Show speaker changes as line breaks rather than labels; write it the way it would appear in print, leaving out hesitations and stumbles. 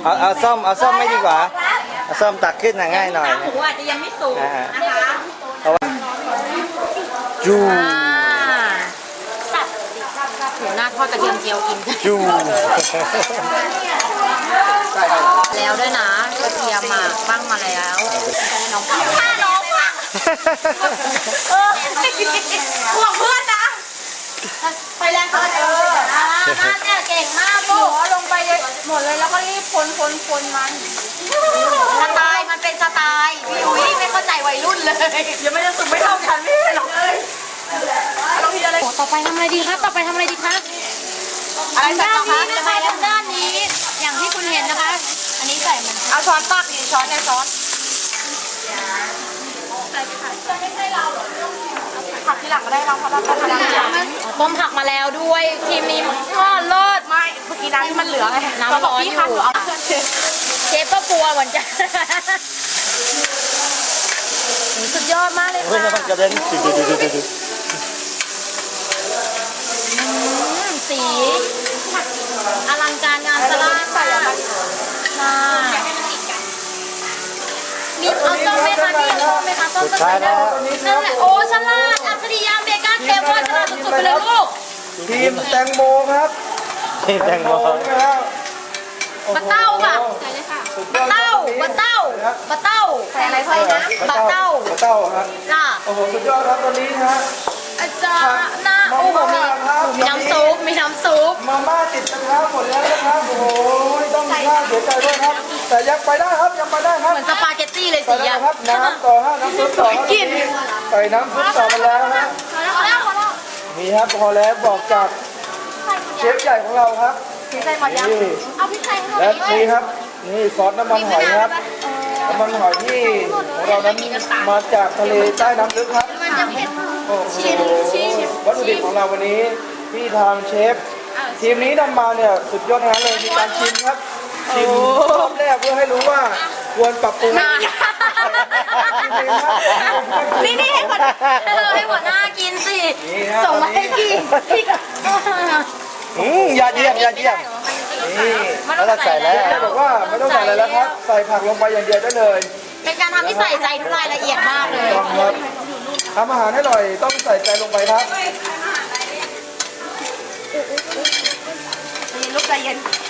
เอาซ่อมไม่ดีกว่าเอาซ่อมตักขึ้นง่ายหน่อย
หมูอาจจะยังไม่สุกนะคะ
เพราะว่าจู
หมูหน้าทอดกระเทียมเจียวกิน
จู
แล้วด้วยนะกระเทียมมาบ้างมาแล้วน้องข้าน้องว่ะห่วงเพื่อนนะไปแรงเกินน่าเนี่ยเก่งมากลูกลงไปหมดเลยแล้วก็รีบคนมันสไตล์มันเป็นสไตล์พี่อุ้ยไม่เข้าใจวัยรุ่นเลยยังไม่ได้สุกไม่เท่ากันไม่หรอกเลยเราทีอะไรต่อไปทำอะไรดีครับอะไรด้านนี้นะคะด้านนี้อย่างที่คุณเห็นนะคะอันนี้ใส่มันเอาช้อนตักดิช้อนในช้อนผักที่หลังก็ได้เราเพราะเราต้มต้มผักมาแล้วด้วยทีมนี้ก็เลิศไม่เมื่อกี้น้ำที่มันเหลือไงน้ำร้อนอยู่เชฟก็กลัวเหมือนกันสุดยอดมากเลยค่ะ
กระเด็น
สีอลังการงานสลากค่ะมีเอาส้มไหมคะพี่เอาส้มไหมคะส้มก็ใส่ได้นั่นแหละโอ้ฉลาดอัจฉริยะเบก้าเทมว่าฉลาดสุดๆไปเลยลูก
ทีมแตงโมครับทีมแตงโม
บะเต้าค่ะใส่เลยค่ะบะเต้าใส่อะไรเพิ่มนะบะเต้า
ครับ
จ้า
โอ้โหสุดยอดครับตอนนี้ฮะ
อาจารย์นะโอ้โหมีน้ำซุป
มาม่าติดกระทะหมดแล้วนะครับโอ้โหต้องน่าเสียใจด้วยครับแต่ยังไปได้ครับ
เหมือนสปาเกตตี้เลยสิอ่ะ
ครับน้ำต่อฮะน้ำซุปต่อกินใส่น้ำซุปต่อมาแล้วฮะนี่ครับพอแล้วบอกจากเชฟใหญ่ของเราครับ
ใส่หมดยังเอาพริกไทยให้หน่อย
และนี่ครับนี่ซอสน้ำมันหอยครับน้ำมันหอยที่ของเรานั้นมาจากทะเลใต้น้ำลึกครับโอ้โหวัตถุดิบของเราวันนี้ที่ทางเชฟทีมนี้นำมาเนี่ยสุดยอดทั้งนั้นเลยมีการชิมครับชิมรอบแรกเพื่อให้รู้ว่าควรปรับปรุง
นี่ให้หมดหน้ากินสิส่งมาให้กิน
ยาเยี่ยมนี่แล้วเราใส่แล้วบอกว่าไม่ต้องใส่อะไรแล้วครับใส่ผักลงไปอย่างเดียวได้เลย
เป็นการทำที่ใส่ใจทุกรายละเอียดมากเลย
ครับทำอาหารให้อร่อยต้องใส่ใจลงไปครับ
ลูกใจเย็น